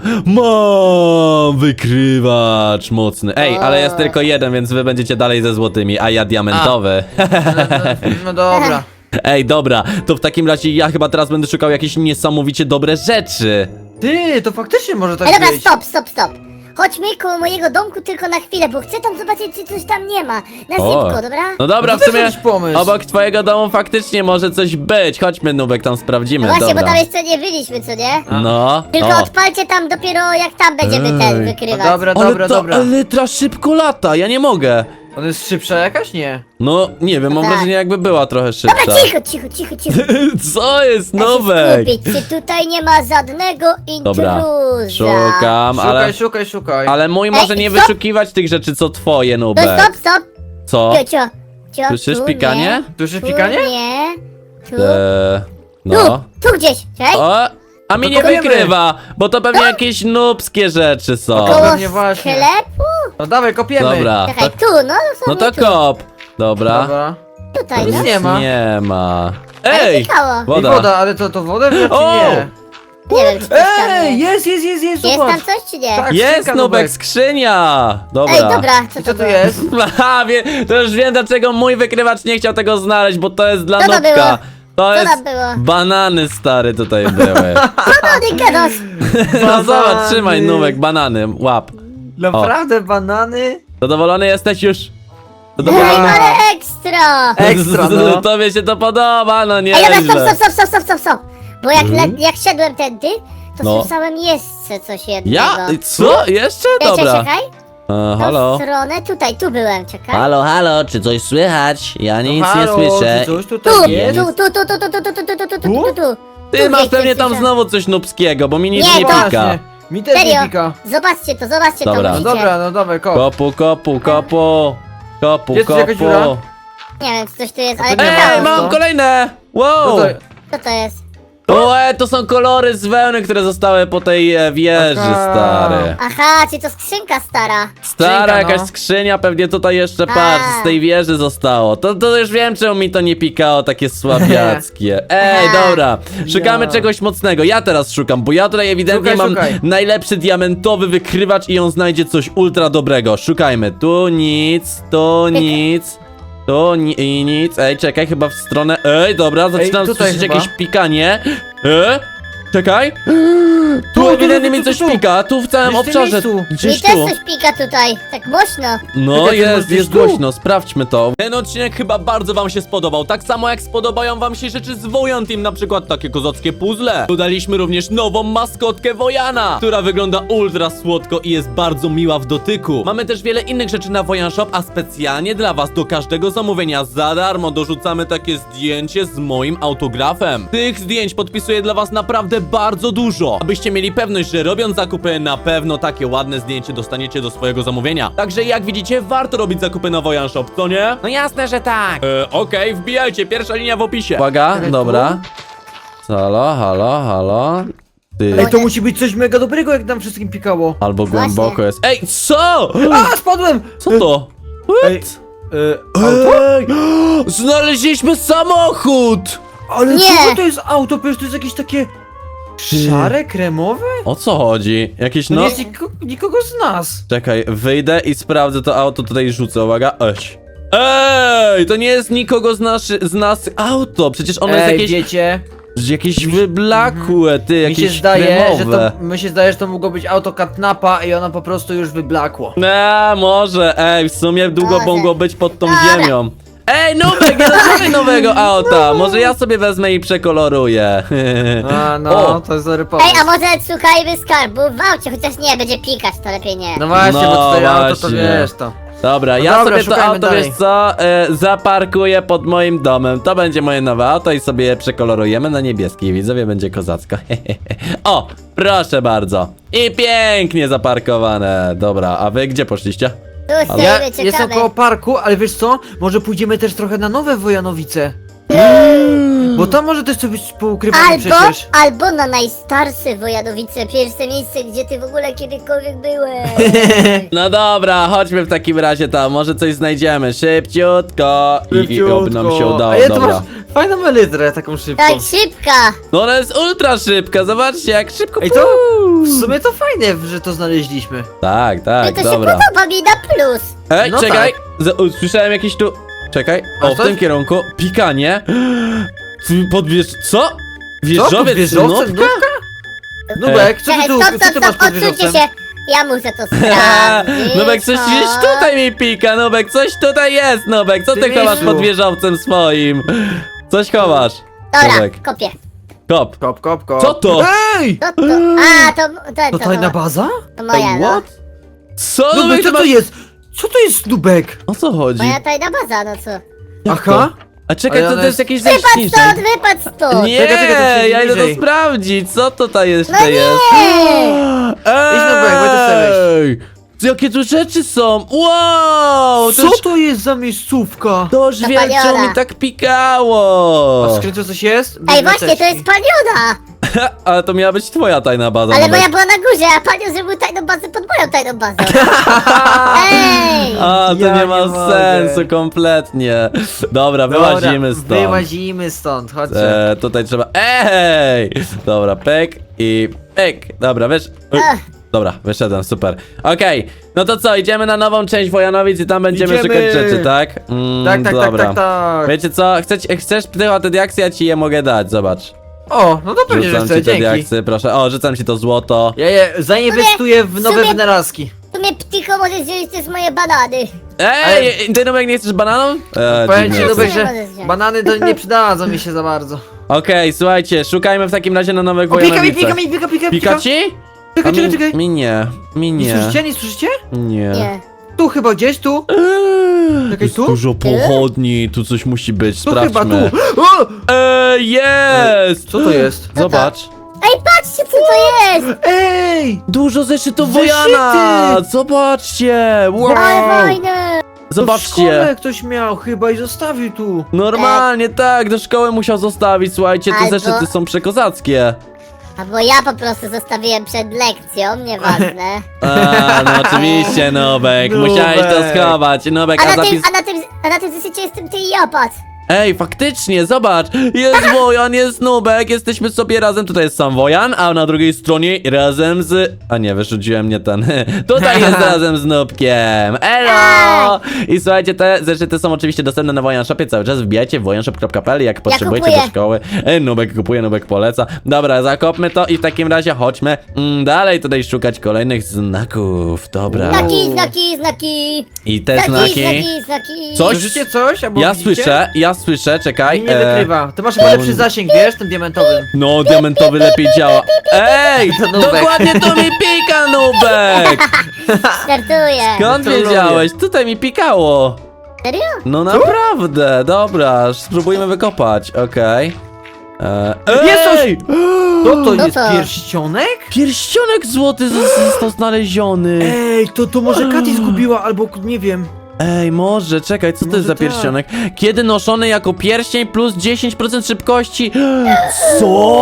Speaker 1: Mam wykrywacz mocny. Ej, ale jest tylko jeden, więc wy będziecie dalej ze złotymi, a ja diamentowy.
Speaker 2: No, no, no dobra.
Speaker 1: Ej, dobra, to w takim razie ja chyba teraz będę szukał jakieś niesamowicie dobre rzeczy.
Speaker 2: Ty, to faktycznie może tak
Speaker 3: Ej, dobra,
Speaker 2: być.
Speaker 3: stop, stop, stop. Chodźmy koło mojego domku tylko na chwilę, bo chcę tam zobaczyć, czy coś tam nie ma. Na
Speaker 1: O.
Speaker 3: szybko, dobra?
Speaker 1: No dobra,
Speaker 2: No
Speaker 1: w
Speaker 2: to też
Speaker 1: sumie
Speaker 2: jakiś pomysł.
Speaker 1: obok twojego domu faktycznie może coś być. Chodźmy, Nubek, tam sprawdzimy,
Speaker 3: No właśnie,
Speaker 1: dobra.
Speaker 3: bo tam jeszcze nie byliśmy, co nie?
Speaker 1: No,
Speaker 3: Tylko
Speaker 1: o.
Speaker 3: odpalcie tam dopiero jak tam będziemy ten
Speaker 1: Ej.
Speaker 2: No
Speaker 3: wykrywać.
Speaker 2: dobra,
Speaker 1: Ale
Speaker 2: dobra,
Speaker 1: ta
Speaker 2: dobra.
Speaker 1: elytra szybko lata, ja nie mogę.
Speaker 2: Ona jest szybsza jakaś? Nie.
Speaker 1: No, nie wiem, mam
Speaker 3: Tak.
Speaker 1: wrażenie jakby była trochę szybsza.
Speaker 3: Dobra, cicho, cicho, cicho, cicho.
Speaker 1: Co jest,
Speaker 3: Ja się
Speaker 1: Nubek?
Speaker 3: skupić, czy tutaj nie ma żadnego
Speaker 1: Dobra,
Speaker 3: intruza?
Speaker 1: szukam,
Speaker 2: Szukaj,
Speaker 1: ale...
Speaker 2: szukaj, szukaj.
Speaker 1: Ale mój może
Speaker 3: Ej,
Speaker 1: nie
Speaker 3: stop.
Speaker 1: wyszukiwać tych rzeczy, co twoje,
Speaker 3: No
Speaker 1: Nubek.
Speaker 3: stop, stop.
Speaker 1: Co?
Speaker 3: Cio, cio, cio,
Speaker 1: Słyszysz
Speaker 3: tu
Speaker 1: pikanie?
Speaker 3: Nie,
Speaker 2: Słyszysz
Speaker 3: tu
Speaker 2: pikanie?
Speaker 3: nie, tu,
Speaker 1: Eee,
Speaker 3: tu,
Speaker 1: no.
Speaker 3: tu gdzieś, czekaj.
Speaker 1: O, a mi
Speaker 2: to
Speaker 1: nie
Speaker 2: kopujemy.
Speaker 1: wykrywa, bo to pewnie jakieś nubskie rzeczy są.
Speaker 3: Koło
Speaker 2: pewnie właśnie.
Speaker 3: sklepu?
Speaker 2: No dawaj, kopiemy.
Speaker 1: Dobra,
Speaker 3: Czekaj,
Speaker 1: to,
Speaker 3: tu, no,
Speaker 1: no to
Speaker 3: tu.
Speaker 1: kop. Dobra.
Speaker 2: Dobra.
Speaker 3: Tutaj,
Speaker 2: Nic
Speaker 3: no.
Speaker 2: nie ma.
Speaker 1: Nie ma.
Speaker 3: Ale
Speaker 1: Ej!
Speaker 3: pikało.
Speaker 2: Ej,
Speaker 1: Woda.
Speaker 2: woda, ale to, to wodę wziąć, czy
Speaker 1: O!
Speaker 2: nie?
Speaker 3: Nie wiem, czy coś tam
Speaker 2: Ej,
Speaker 3: jest.
Speaker 2: jest, jest, jest, jest,
Speaker 3: Jest
Speaker 2: zobacz.
Speaker 3: tam coś, czy nie?
Speaker 2: Tak.
Speaker 1: Jest,
Speaker 2: skrzynka,
Speaker 1: Nubek,
Speaker 2: Nubek.
Speaker 1: skrzynia! Dobra.
Speaker 3: Ej, dobra, co
Speaker 2: I
Speaker 3: to
Speaker 2: co tu
Speaker 3: było?
Speaker 2: jest?
Speaker 1: Aha, wie, to już wiem, dlaczego mój wykrywacz nie chciał tego znaleźć, bo to jest dla
Speaker 3: Co to
Speaker 1: Nubka.
Speaker 3: było?
Speaker 1: To
Speaker 3: Co
Speaker 1: jest
Speaker 3: tam było?
Speaker 1: banany stary tutaj były.
Speaker 3: Co ty gadasz?
Speaker 1: No zobacz,
Speaker 2: Banany.
Speaker 1: trzymaj Nubek, banany, łap.
Speaker 2: Naprawdę, banany?
Speaker 1: Zadowolony jesteś już?
Speaker 3: Ej,
Speaker 1: Zadowolony?
Speaker 3: ale ekstra!
Speaker 2: Ekstra, no.
Speaker 1: Tobie się to podoba, no nie.
Speaker 3: Ej, dobra, stop, stop, stop, stop, stop, stop. Bo jak, le, jak szedłem tędy, to
Speaker 1: No.
Speaker 3: słyszałem jeszcze coś jednego.
Speaker 1: Ja? Co? Jeszcze?
Speaker 3: Czekaj,
Speaker 1: Dobra.
Speaker 3: czekaj.
Speaker 1: E,
Speaker 3: Tą
Speaker 1: halo?
Speaker 3: stronę, tutaj, tu byłem, czekaj.
Speaker 1: Halo, halo, czy coś słychać? Ja nic
Speaker 2: Halo,
Speaker 1: nie słyszę.
Speaker 2: czy coś
Speaker 3: Tu,
Speaker 2: tutaj
Speaker 3: tu,
Speaker 2: jest?
Speaker 3: tu, tu, tu, tu, tu, tu, tu, tu, tu, tu, tu, tu, tu, tu.
Speaker 1: Ty
Speaker 3: Tu
Speaker 1: masz
Speaker 3: gdzieś
Speaker 1: pewnie
Speaker 3: coś
Speaker 1: tam
Speaker 3: słyszałem.
Speaker 1: znowu coś nubskiego, bo mi nic
Speaker 3: Nie,
Speaker 1: nie
Speaker 3: to-
Speaker 1: pika.
Speaker 2: Właśnie. Mi też nie
Speaker 3: Serio,
Speaker 2: pika.
Speaker 3: zobaczcie to, zobaczcie
Speaker 1: Dobra.
Speaker 3: to,
Speaker 2: No
Speaker 3: widzicie?
Speaker 2: dobra, no dawaj, kop.
Speaker 1: Kopu, kopu, kopu. Kopu,
Speaker 2: Jest tu jakaś dziura?
Speaker 1: kopu.
Speaker 3: Nie wiem, czy coś tu jest, ale
Speaker 2: to nie ma.
Speaker 3: ciekawe.
Speaker 1: Ej, mam
Speaker 2: to?
Speaker 1: kolejne!
Speaker 2: No
Speaker 1: Wow!
Speaker 2: to...
Speaker 3: Co to jest?
Speaker 1: O, e, to są kolory z wełny, które zostały po tej e, wieży,
Speaker 2: Aha.
Speaker 1: stary.
Speaker 3: Aha, czy to skrzynka stara?
Speaker 1: Stara
Speaker 2: Skrzynka,
Speaker 1: jakaś
Speaker 2: no.
Speaker 1: skrzynia, pewnie tutaj jeszcze, patrz,
Speaker 3: A.
Speaker 1: z tej wieży zostało. To, to już wiem, czemu mi to nie pikało, takie słabiackie. Ej,
Speaker 3: Aha.
Speaker 1: dobra, szukamy
Speaker 2: Ja.
Speaker 1: czegoś mocnego. Ja teraz szukam, bo ja tutaj ewidentnie
Speaker 2: Szukaj,
Speaker 1: mam
Speaker 2: szukaj.
Speaker 1: najlepszy diamentowy wykrywacz i on znajdzie coś ultra dobrego. Szukajmy, tu nic, tu nic. Tu ni i nic, ej, czekaj, chyba w stronę, ej, dobra, zaczynam
Speaker 2: tutaj
Speaker 1: słyszeć
Speaker 2: chyba.
Speaker 1: jakieś pikanie. E? Czekaj. Tu
Speaker 2: Tu, tu,
Speaker 1: ewidentnie
Speaker 2: tu,
Speaker 1: mi
Speaker 2: tu,
Speaker 1: coś
Speaker 2: tu, tu.
Speaker 1: pika, tu w całym
Speaker 2: Gdzieś w tym
Speaker 1: obszarze.
Speaker 2: miejscu.
Speaker 3: Mi
Speaker 1: Gdzieś
Speaker 3: też
Speaker 1: tu.
Speaker 3: coś pika tutaj, tak głośno.
Speaker 1: No
Speaker 2: Czekaj, ty
Speaker 1: jest,
Speaker 2: możesz
Speaker 1: jest
Speaker 2: tu.
Speaker 1: głośno, sprawdźmy to. Ten odcinek chyba bardzo wam się spodobał, tak samo jak spodobają wam się rzeczy z Wojan Team, na przykład takie kozackie puzzle. Dodaliśmy również nową maskotkę Wojana, która wygląda ultra słodko i jest bardzo miła w dotyku. Mamy też wiele innych rzeczy na Wojan Shop, a specjalnie dla was do każdego zamówienia za darmo dorzucamy takie zdjęcie z moim autografem. Tych zdjęć podpisuję dla was naprawdę bardzo dużo, abyście mieli pewność, że robiąc zakupy na pewno takie ładne zdjęcie dostaniecie do swojego zamówienia. Także jak widzicie, warto robić zakupy na Wojan Shop, co nie? No jasne, że tak. E, Okej, wbijajcie, pierwsza linia w opisie. Uwaga,
Speaker 2: Czekaj,
Speaker 1: dobra. Halo, halo, halo. Ty.
Speaker 2: Ej, to musi być coś mega dobrego, jak nam wszystkim pikało.
Speaker 1: Albo
Speaker 3: Właśnie.
Speaker 1: głęboko jest. Ej, co?
Speaker 2: A, spadłem!
Speaker 1: Co to?
Speaker 2: Ej, e, auto?
Speaker 1: Ej, znaleźliśmy samochód!
Speaker 2: Ale
Speaker 3: Nie.
Speaker 2: co to jest auto? Przecież to jest jakieś takie szare, kremowe?
Speaker 1: O co chodzi? Jakieś
Speaker 2: To
Speaker 1: no...
Speaker 2: nie jest nikogo, nikogo z nas.
Speaker 1: Czekaj, wyjdę i sprawdzę to auto, tutaj rzucę, uwaga, eś. Ej, to nie jest nikogo z, naszy, z nas auto, przecież ono jest
Speaker 2: Ej,
Speaker 1: jakieś,
Speaker 2: wiecie,
Speaker 1: jakieś wyblakłe, ty,
Speaker 2: mi
Speaker 1: jakieś
Speaker 2: się zdaje, że
Speaker 1: kremowe.
Speaker 2: to, mi się zdaje, że to mogło być auto Katnapa i ono po prostu już wyblakło.
Speaker 1: Nie, może, ej, w sumie długo
Speaker 3: Może.
Speaker 1: mogło być pod tą
Speaker 3: Dobra.
Speaker 1: ziemią. Ej, Nubek, nie dostałem nowego auta, może ja sobie wezmę i przekoloruję.
Speaker 2: A, no,
Speaker 1: O.
Speaker 2: to jest dobry pomysł.
Speaker 3: Ej, a może szukajmy skarbu w aucie, chociaż nie, będzie pikać, to lepiej nie.
Speaker 2: No właśnie,
Speaker 1: No
Speaker 2: bo tutaj auto to
Speaker 1: właśnie.
Speaker 2: wiesz to.
Speaker 1: Dobra,
Speaker 2: No
Speaker 1: ja
Speaker 2: dobra,
Speaker 1: sobie to
Speaker 2: szukajmy
Speaker 1: auto,
Speaker 2: dalej.
Speaker 1: wiesz co, e, zaparkuję pod moim domem. To będzie moje nowe auto i sobie je przekolorujemy na niebieski. Widzowie, będzie kozacko. O, proszę bardzo. I pięknie zaparkowane. Dobra, a wy gdzie poszliście?
Speaker 3: Tu
Speaker 2: Ja
Speaker 3: stoimy,
Speaker 2: jestem
Speaker 3: czekamy.
Speaker 2: koło parku, ale wiesz co? Może pójdziemy też trochę na nowe Wojanowice. Bo tam może też coś być poukrywane
Speaker 3: Albo,
Speaker 2: przecież.
Speaker 3: albo na najstarsze Wojanowice, pierwsze miejsce, gdzie ty w ogóle kiedykolwiek byłeś.
Speaker 1: No dobra, chodźmy w takim razie tam, może coś znajdziemy. Szybciutko. I, i oby nam się udało,
Speaker 2: A ja to
Speaker 1: dobra.
Speaker 2: masz fajną melitrę, taką szybką.
Speaker 3: Tak, szybka.
Speaker 1: No ona jest ultra szybka, zobaczcie jak szybko.
Speaker 2: Ej, to w sumie to fajne, że to znaleźliśmy.
Speaker 1: Tak,
Speaker 3: I
Speaker 1: tak,
Speaker 3: to
Speaker 1: dobra.
Speaker 3: się podoba mi na plus.
Speaker 1: Ej,
Speaker 2: No
Speaker 1: czekaj! Z- usłyszałem jakieś tu... Czekaj,
Speaker 2: A
Speaker 1: o, w
Speaker 2: coś?
Speaker 1: tym kierunku. Pikanie. Podwież... Co?
Speaker 2: Co? Pod
Speaker 1: Wieżowiec
Speaker 2: wieżowcem?
Speaker 1: nubka?
Speaker 2: Nubka? Nubek, co ty
Speaker 3: Czekaj,
Speaker 2: tu,
Speaker 3: stop,
Speaker 2: co ty
Speaker 3: stop,
Speaker 2: masz
Speaker 3: stop,
Speaker 2: pod
Speaker 3: odsuńcie
Speaker 2: wieżowcem?
Speaker 3: się. Ja muszę to sprawdzić.
Speaker 1: Nubek, coś
Speaker 3: o.
Speaker 1: gdzieś tutaj mi pika, Nubek, coś tutaj jest, Nubek. Co
Speaker 2: Ty
Speaker 1: ty chowasz
Speaker 2: Misiu.
Speaker 1: pod wieżowcem swoim? Coś chowasz.
Speaker 3: Dobra,
Speaker 1: Nubek,
Speaker 3: kopię.
Speaker 1: kop.
Speaker 2: Kop, kop, kop.
Speaker 1: Co to?
Speaker 2: Ej!
Speaker 3: To, to, a, to, to,
Speaker 2: To
Speaker 3: to,
Speaker 2: tajna
Speaker 3: to,
Speaker 2: baza?
Speaker 3: to moja,
Speaker 2: Ej,
Speaker 3: no.
Speaker 2: what?
Speaker 1: Co,
Speaker 2: Nubek,
Speaker 1: Nubek,
Speaker 2: co
Speaker 1: ty
Speaker 2: to
Speaker 1: masz...
Speaker 2: jest? Co to jest Nubek?
Speaker 1: O co chodzi?
Speaker 3: Moja tajna baza, no co?
Speaker 2: Aha.
Speaker 1: A czekaj,
Speaker 2: Ale
Speaker 1: to,
Speaker 2: ona
Speaker 1: to jest
Speaker 2: jest-
Speaker 1: jakieś
Speaker 3: Wypadł
Speaker 1: zejście
Speaker 3: stąd,
Speaker 1: niżej.
Speaker 3: wypadł stąd.
Speaker 1: Nie,
Speaker 2: Czekaj, czekaj, to przejdzie
Speaker 1: ja idę to
Speaker 2: niżej.
Speaker 1: sprawdzić, co tutaj jeszcze
Speaker 3: No
Speaker 1: jest.
Speaker 3: nie.
Speaker 2: Idź, Nubek, bo to sobie
Speaker 1: Ej! Jakie tu rzeczy są! Wow! To
Speaker 2: Co
Speaker 1: już,
Speaker 2: to jest za miejscówka?
Speaker 1: to już wiem,
Speaker 3: Zapaliona.
Speaker 1: czemu mi tak pikało!
Speaker 2: A w skrzynce coś jest?
Speaker 3: Ej, właśnie, to jest paliona.
Speaker 1: Ale to miała być twoja tajna baza.
Speaker 3: Ale
Speaker 1: Nubek.
Speaker 3: moja była na górze, a panią zrobił tajną bazę pod moją tajną bazą. Ej!
Speaker 1: A, to
Speaker 2: Ja
Speaker 1: nie ma
Speaker 2: nie mogę.
Speaker 1: sensu kompletnie. Dobra,
Speaker 2: Dobra,
Speaker 1: wyłazimy stąd.
Speaker 2: Wyłazimy stąd, chodźcie.
Speaker 1: E, tutaj trzeba... Ej! Dobra, pyk i pyk. Dobra, wiesz...
Speaker 3: Ach.
Speaker 1: Dobra, wyszedłem, super. Okej, no to co, idziemy na nową część Wojanowic i tam będziemy
Speaker 2: Idziemy.
Speaker 1: szukać rzeczy, tak? Mm,
Speaker 2: Tak, tak, tak,
Speaker 1: dobra.
Speaker 2: tak, tak.
Speaker 1: Wiecie co, chcesz, chcesz psycho te diaksy, ja ci je mogę dać, zobacz.
Speaker 2: O, no to pewnie, że
Speaker 1: Rzucam
Speaker 2: chcę,
Speaker 1: ci te
Speaker 2: dzięki.
Speaker 1: diaksy, proszę. O, rzucam ci to złoto.
Speaker 2: Ja je zainwestuję w
Speaker 3: w
Speaker 2: nowe
Speaker 3: sumie-
Speaker 2: wynalazki.
Speaker 3: W sumie ptycho możesz wziąć też moje banany.
Speaker 1: Ej, ty Nubek nie chcesz bananą? E,
Speaker 2: Powiem
Speaker 1: dziwne
Speaker 2: ci,
Speaker 1: jesteś.
Speaker 2: Nubek,
Speaker 3: Nie
Speaker 2: że
Speaker 3: możesz wziąć.
Speaker 2: banany to nie przydadzą mi się za bardzo.
Speaker 1: Okej, słuchajcie, szukajmy w takim razie na nowych
Speaker 2: O, pika mi,
Speaker 1: Wojanowicach.
Speaker 2: pika mi, pika, pika,
Speaker 1: Pika ci?
Speaker 2: Czekaj,
Speaker 1: A
Speaker 2: czekaj,
Speaker 1: mi,
Speaker 2: czekaj.
Speaker 1: mi nie, mi
Speaker 2: Nie
Speaker 1: nie.
Speaker 2: słyszycie, nie słyszycie?
Speaker 1: Nie.
Speaker 3: Nie.
Speaker 2: Tu chyba gdzieś, tu.
Speaker 1: Eee,
Speaker 2: Czekaj,
Speaker 1: jest
Speaker 2: tu?
Speaker 1: dużo pochodni, tu coś musi być,
Speaker 2: Tu chyba,
Speaker 1: sprawdźmy.
Speaker 2: tu. O!
Speaker 1: Ej, jest!
Speaker 2: Co to jest?
Speaker 1: Zobacz.
Speaker 3: Ej, patrzcie, co to jest!
Speaker 2: Ej!
Speaker 1: Dużo zeszytów
Speaker 2: Zeszyty!
Speaker 1: Wojana! Zobaczcie! Wow!
Speaker 3: Ale fajne!
Speaker 2: W
Speaker 1: Zobaczcie.
Speaker 2: szkole ktoś miał chyba i zostawił tu.
Speaker 1: Normalnie tak, do szkoły musiał zostawić, słuchajcie, te
Speaker 3: Albo-
Speaker 1: zeszyty są przekozackie.
Speaker 3: Albo ja po prostu zostawiłem przed lekcją, nieważne.
Speaker 1: A, no oczywiście, Nubek,
Speaker 2: Nubek.
Speaker 1: musiałeś to schować, Nubek,
Speaker 3: A
Speaker 1: a
Speaker 3: na tym,
Speaker 1: zapis...
Speaker 3: a na tym, a na tym zeszycie jestem ty i ja, patrz.
Speaker 1: Ej, faktycznie, zobacz, jest Wojan, jest Nubek, jesteśmy sobie razem, tutaj jest sam Wojan, a na drugiej stronie razem z... A nie, wyrzuciłem nie ten. Tutaj jest razem z Nubkiem, elo! I słuchajcie, te zeszyty są oczywiście dostępne na Wojan Shopie, cały czas wbijajcie wojanshop kropka p l, jak potrzebujecie do
Speaker 3: kupuję.
Speaker 1: szkoły. Ej, Nubek kupuje, Nubek poleca. Dobra, zakopmy to i w takim razie chodźmy mm, dalej tutaj szukać kolejnych znaków, dobra.
Speaker 3: Znaki, znaki, znaki.
Speaker 1: I te
Speaker 3: Znaki,
Speaker 1: znaki...
Speaker 3: znaki, znaki.
Speaker 1: Coś?
Speaker 2: Słyszycie coś? Albo
Speaker 1: Ja
Speaker 2: widzicie?
Speaker 1: słyszę, ja słyszę, czekaj.
Speaker 2: Nie, nie
Speaker 1: e,
Speaker 2: wykrywa. To masz chyba lepszy zasięg, wiesz, tym diamentowym.
Speaker 1: No, diamentowy lepiej działa. Ej!
Speaker 2: To Nubek.
Speaker 1: Dokładnie to mi pika, Nubek!
Speaker 3: Startuję.
Speaker 1: Skąd
Speaker 2: To lubię.
Speaker 1: wiedziałeś? Tutaj mi pikało.
Speaker 3: Serio?
Speaker 1: No naprawdę, dobra, spróbujmy wykopać, okej. E,
Speaker 2: Jest coś!
Speaker 1: Ej!
Speaker 2: To to
Speaker 3: No
Speaker 2: jest
Speaker 3: to-
Speaker 2: pierścionek?
Speaker 1: Pierścionek złoty z- został znaleziony.
Speaker 2: Ej, to to może Katy zgubiła, albo nie wiem.
Speaker 1: Ej, może, czekaj, co to
Speaker 2: Może
Speaker 1: jest za
Speaker 2: tak.
Speaker 1: pierścionek? Kiedy noszony jako pierścień plus dziesięć procent szybkości. Co?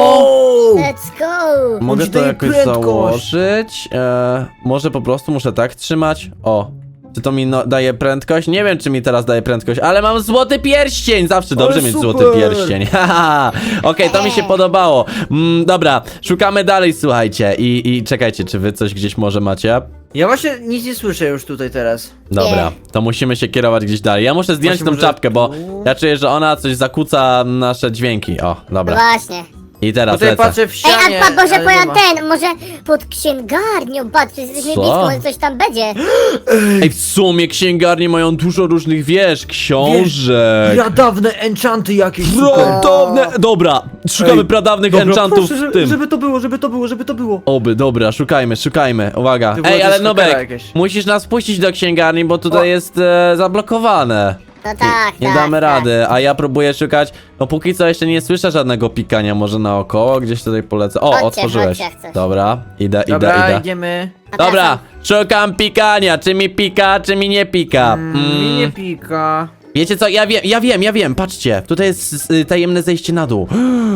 Speaker 3: Let's go.
Speaker 1: Mogę
Speaker 2: ci
Speaker 1: to
Speaker 2: daje
Speaker 1: jakoś
Speaker 2: prędkość.
Speaker 1: założyć? E, może po prostu muszę tak trzymać? O. Czy to mi no, daje prędkość? Nie wiem, czy mi teraz daje prędkość, ale mam złoty pierścień! Zawsze dobrze
Speaker 2: Ale
Speaker 1: mieć
Speaker 2: super.
Speaker 1: złoty pierścień. Haha. Okej, to mi się podobało. Mm, dobra, szukamy dalej, słuchajcie. I, I czekajcie, czy wy coś gdzieś może macie?
Speaker 2: Ja właśnie nic nie słyszę już tutaj teraz.
Speaker 1: Dobra,
Speaker 3: Nie.
Speaker 1: to musimy się kierować gdzieś dalej. Ja muszę zdjąć
Speaker 2: Właśnie
Speaker 1: tą
Speaker 2: może
Speaker 1: czapkę, bo
Speaker 2: tu?
Speaker 1: ja czuję, że ona coś zakłóca nasze dźwięki. O,
Speaker 3: No
Speaker 1: dobra.
Speaker 3: właśnie.
Speaker 1: I teraz
Speaker 2: Tutaj
Speaker 1: lecę.
Speaker 2: patrzę w
Speaker 3: Ej,
Speaker 2: ścianie.
Speaker 3: a, a może
Speaker 2: ale nie
Speaker 3: powiem
Speaker 2: ma.
Speaker 3: ten, może pod księgarnią, patrz, przecież jesteśmy
Speaker 1: Co?
Speaker 3: blisko, może coś tam będzie.
Speaker 1: Ej, w sumie księgarnie mają dużo różnych, wiesz, książek.
Speaker 2: Pradawne enchanty jakieś. super.
Speaker 1: Pradawne... Dobra, szukamy
Speaker 2: Ej,
Speaker 1: pradawnych
Speaker 2: Dobra,
Speaker 1: enchantów
Speaker 2: proszę,
Speaker 1: w
Speaker 2: żeby,
Speaker 1: tym.
Speaker 2: żeby to było, żeby to było, żeby to było.
Speaker 1: Oby, dobra, szukajmy, szukajmy, uwaga.
Speaker 2: To było
Speaker 1: Ej,
Speaker 2: też
Speaker 1: ale
Speaker 2: hakera
Speaker 1: Nubek,
Speaker 2: jakieś.
Speaker 1: musisz nas puścić do księgarni, bo tutaj
Speaker 2: O.
Speaker 1: jest e, zablokowane.
Speaker 3: No tak,
Speaker 1: Nie
Speaker 3: tak,
Speaker 1: damy
Speaker 3: tak.
Speaker 1: rady, a ja próbuję szukać. No póki co jeszcze nie słyszę żadnego pikania, może naokoło, gdzieś tutaj polecę. O,
Speaker 3: Chodźcie,
Speaker 1: otworzyłeś.
Speaker 3: chodźcie, jak coś.
Speaker 1: Dobra, idę, idę,
Speaker 2: Dobra,
Speaker 1: idę.
Speaker 2: idziemy.
Speaker 1: Dobra, szukam pikania, czy mi pika, czy mi nie pika.
Speaker 2: Mm, mi nie
Speaker 1: Mm.
Speaker 2: pika.
Speaker 1: Wiecie co, ja wiem, ja wiem, ja wiem, patrzcie, tutaj jest y, tajemne zejście na dół.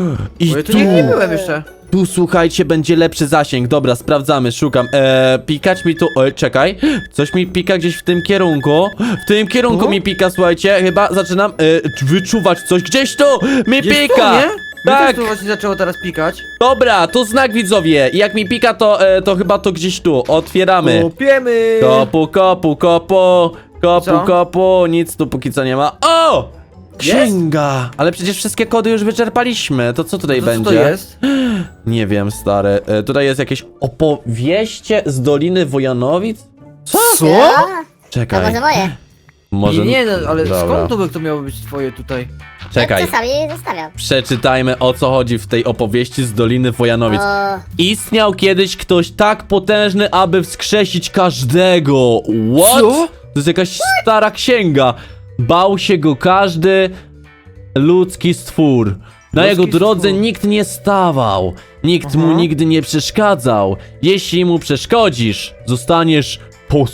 Speaker 1: I
Speaker 2: Bo ja tu
Speaker 1: tu,
Speaker 2: nie, nie byłem jeszcze.
Speaker 1: tu słuchajcie, będzie lepszy zasięg, dobra, sprawdzamy, szukam, eee, pikać mi tu, oj, czekaj, coś mi pika gdzieś w tym kierunku, w tym kierunku
Speaker 2: Tu?
Speaker 1: mi pika, słuchajcie, chyba zaczynam e, wyczuwać coś, gdzieś tu mi
Speaker 2: Jest
Speaker 1: pika,
Speaker 2: tu, nie? Mnie
Speaker 1: tak,
Speaker 2: też tu właśnie zaczęło teraz pikać.
Speaker 1: dobra, tu znak widzowie, i jak mi pika, to, e, to chyba to gdzieś tu, otwieramy.
Speaker 2: Kupiemy.
Speaker 1: Kopu, kopu, kopu, kopu,
Speaker 2: Co?
Speaker 1: kopu, nic tu póki co nie ma. O! Księga! Ale przecież wszystkie kody już wyczerpaliśmy, to co tutaj
Speaker 2: To co
Speaker 1: będzie?
Speaker 2: to jest?
Speaker 1: Nie wiem, stary. E, tutaj jest jakieś opowieście z Doliny Wojanowic? Co?
Speaker 3: A, a
Speaker 1: Czekaj.
Speaker 3: może moje?
Speaker 1: Może...
Speaker 2: Nie, nie, no, ale
Speaker 1: Dobra.
Speaker 2: skąd to, by to miało być twoje tutaj?
Speaker 1: Czekaj.
Speaker 3: Czasami zostawiam.
Speaker 1: Przeczytajmy, o co chodzi w tej opowieści z Doliny Wojanowic.
Speaker 3: O,
Speaker 1: Istniał kiedyś ktoś tak potężny, aby wskrzesić każdego. What?
Speaker 2: Co?
Speaker 1: To jest jakaś stara księga. Bał się go każdy ludzki stwór. Na
Speaker 2: Ludzki
Speaker 1: jego drodze
Speaker 2: stwór.
Speaker 1: nikt nie stawał. Nikt mu
Speaker 2: Aha.
Speaker 1: nigdy nie przeszkadzał. Jeśli mu przeszkodzisz, zostaniesz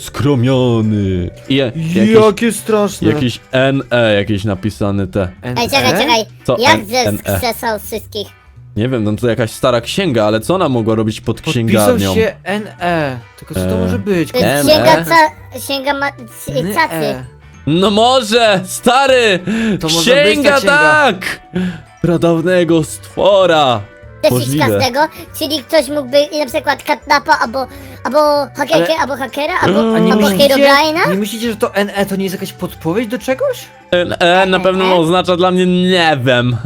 Speaker 1: poskromiony. I je, jakiś,
Speaker 2: Jakie straszne.
Speaker 1: jakiś N E, jakiś napisany te.
Speaker 3: ej, czekaj, czekaj.
Speaker 1: Co?
Speaker 3: Jak
Speaker 1: N-
Speaker 3: ze
Speaker 1: N E.
Speaker 3: skrzesał wszystkich?
Speaker 1: Nie wiem, no to jakaś stara księga, ale co ona mogła robić pod
Speaker 2: Podpisał
Speaker 1: księgarnią?
Speaker 2: się N E. Tylko co to
Speaker 1: E.
Speaker 2: może być?
Speaker 3: To jest
Speaker 1: Em,
Speaker 3: księga
Speaker 1: e?
Speaker 3: ca... księga ma... c-
Speaker 2: N
Speaker 3: cacy.
Speaker 2: E.
Speaker 1: No może, stary!
Speaker 2: To może być ta
Speaker 1: księga,
Speaker 2: księga.
Speaker 1: tak! Pradawnego stwora!
Speaker 3: Też
Speaker 1: Możliwe.
Speaker 3: każdego, czyli ktoś mógłby na przykład Katnapa, albo, albo hakerkę,
Speaker 2: Ale-
Speaker 3: albo hakera, albo,
Speaker 2: A nie
Speaker 3: albo
Speaker 2: myślicie,
Speaker 3: Herobrine'a?
Speaker 2: nie myślicie, że to N E to nie jest jakaś podpowiedź do czegoś?
Speaker 1: N E na pewno oznacza dla mnie nie wiem.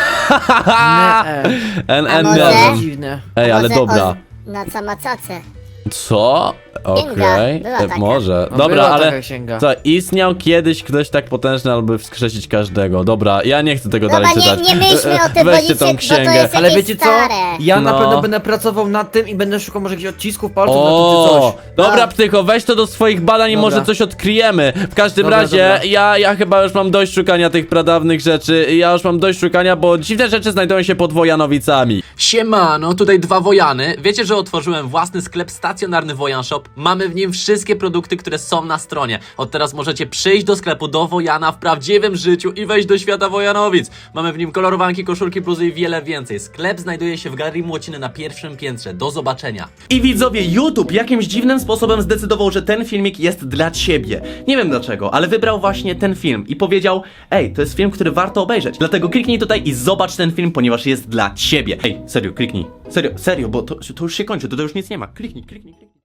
Speaker 2: N E.
Speaker 1: N
Speaker 3: A
Speaker 1: N
Speaker 3: może?
Speaker 1: nie wiem.
Speaker 2: Dziwne.
Speaker 1: Ej, ale
Speaker 3: Może
Speaker 1: dobra.
Speaker 3: oz- Na camacacę.
Speaker 1: Co? Okej,
Speaker 3: była
Speaker 1: e,
Speaker 3: taka.
Speaker 1: może.
Speaker 2: No,
Speaker 1: Dobra,
Speaker 2: była
Speaker 1: ale
Speaker 2: taka księga.
Speaker 1: co, istniał kiedyś ktoś tak potężny, aby wskrzesić każdego. Dobra, ja nie chcę tego
Speaker 3: Dobra,
Speaker 1: dalej
Speaker 3: nie,
Speaker 1: czytać.
Speaker 3: nie myślmy o tym, bo
Speaker 1: Weźcie
Speaker 3: nic
Speaker 1: tą
Speaker 3: się- bo to
Speaker 1: księgę.
Speaker 3: jest-
Speaker 2: Ale
Speaker 3: jakieś
Speaker 2: wiecie co?
Speaker 3: stare.
Speaker 2: Ja na
Speaker 1: No.
Speaker 2: pewno będę pracował nad tym i będę szukał może jakichś odcisków palców na tym czy
Speaker 1: O,
Speaker 2: coś.
Speaker 1: dobra,
Speaker 3: A.
Speaker 1: Ptycho, weź to do swoich badań i
Speaker 2: Dobra.
Speaker 1: może coś odkryjemy. W każdym
Speaker 2: Dobra,
Speaker 1: razie,
Speaker 2: dobra.
Speaker 1: Ja, ja chyba już mam dość szukania tych pradawnych rzeczy. Ja już mam dość szukania, bo dziwne rzeczy znajdują się pod Wojanowicami.
Speaker 4: Siemano, tutaj dwa Wojany. Wiecie, że otworzyłem własny sklep stacja stacjonarny Wojan Shop. Mamy w nim wszystkie produkty, które są na stronie. Od teraz możecie przyjść do sklepu do Wojana w prawdziwym życiu i wejść do świata Wojanowic. Mamy w nim kolorowanki, koszulki, bluzy i wiele więcej. Sklep znajduje się w Galerii Młociny na pierwszym piętrze. Do zobaczenia.
Speaker 5: I widzowie, YouTube jakimś dziwnym sposobem zdecydował, że ten filmik jest dla ciebie. Nie wiem dlaczego, ale wybrał właśnie ten film i powiedział: ej, to jest film, który warto obejrzeć. Dlatego kliknij tutaj i zobacz ten film, ponieważ jest dla ciebie. Ej, serio, kliknij. Serio, serio, bo to, to już się kończy, to, to już nic nie ma. Kliknij, kliknij, kliknij.